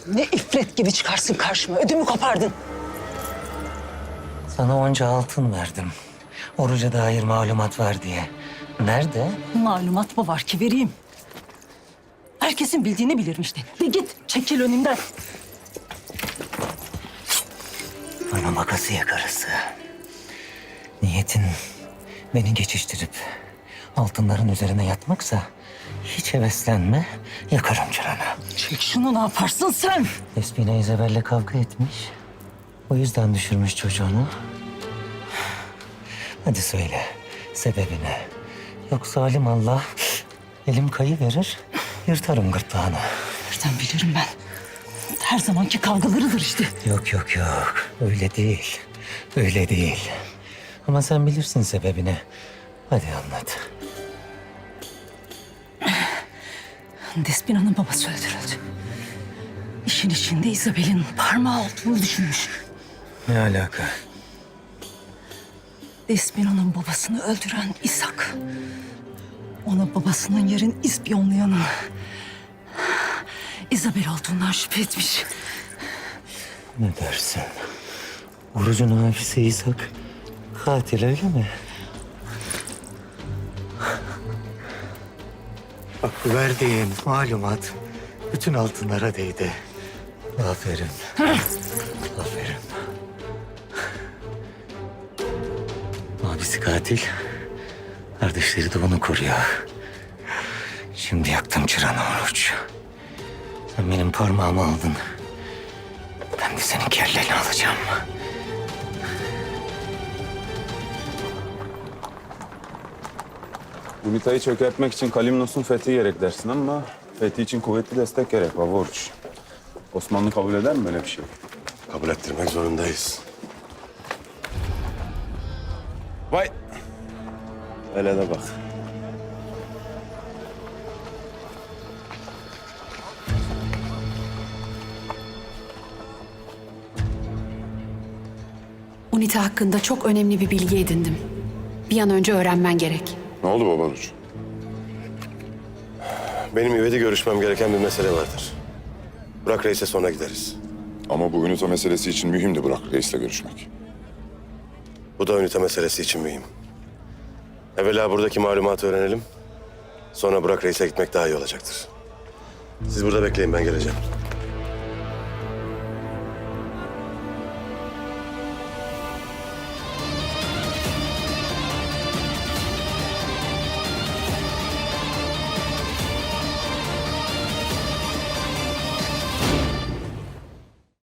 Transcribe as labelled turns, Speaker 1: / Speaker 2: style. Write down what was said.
Speaker 1: Ne ifrit gibi çıkarsın karşıma. Ödümü kopardın.
Speaker 2: Sana onca altın verdim. Oruca dair malumat var diye. Nerede?
Speaker 1: Malumat mı var ki vereyim? Herkesin bildiğini bilirim işte. De git, çekil önümden.
Speaker 2: Bana makasıya karısı. Niyetin beni geçiştirip altınların üzerine yatmaksa hiç heveslenme, yakarım çıranı.
Speaker 1: Çek şunu, ne yaparsın sen?
Speaker 2: Despina Isabel'le kavga etmiş. O yüzden düşürmüş çocuğunu. Hadi söyle sebebini. Yoksa alim Allah elim kayıverir, yırtarım gırtlağını.
Speaker 1: Nereden bilirim ben? Her zamanki kavgalarıdır işte.
Speaker 2: Yok yok yok, öyle değil. Öyle değil. Ama sen bilirsin sebebini. Hadi anlat.
Speaker 1: Despina'nın babası öldürüldü. İşin içinde Isabel'in parmağı olduğunu düşünmüş.
Speaker 2: Ne alaka?
Speaker 1: Despina'nın babasını öldüren İshak. Ona babasının yerin ispiyonlayanın Isabel olduğundan şüphe etmiş.
Speaker 2: Ne dersin? Orucun abisi İshak katil öyle mi? Bak verdiğin malumat bütün altınlara değdi. Aferin. Aferin. Abisi katil. Kardeşleri de onu koruyor. Şimdi yaktım çıranı Oruç. Sen benim parmağımı aldın. Ben de senin kelleni alacağım.
Speaker 3: Unita'yı çökertmek için Kalimnos'un fethi gerek dersin ama fethi için kuvvetli destek gerek Baba Oruç. Osmanlı kabul eder mi böyle bir şey?
Speaker 4: Kabul ettirmek zorundayız.
Speaker 3: Vay! Hele de bak.
Speaker 5: UNITA hakkında çok önemli bir bilgi edindim. Bir an önce öğrenmen gerek.
Speaker 4: Ne oldu Baba Oruç? Benim İved'i görüşmem gereken bir mesele vardır. Burak Reis'e sonra gideriz.
Speaker 6: Ama bu ünite meselesi için mühimdi Burak Reis'le görüşmek.
Speaker 4: Bu da ünite meselesi için mühim. Evvela buradaki malumatı öğrenelim. Sonra Burak Reis'e gitmek daha iyi olacaktır. Siz burada bekleyin, ben geleceğim.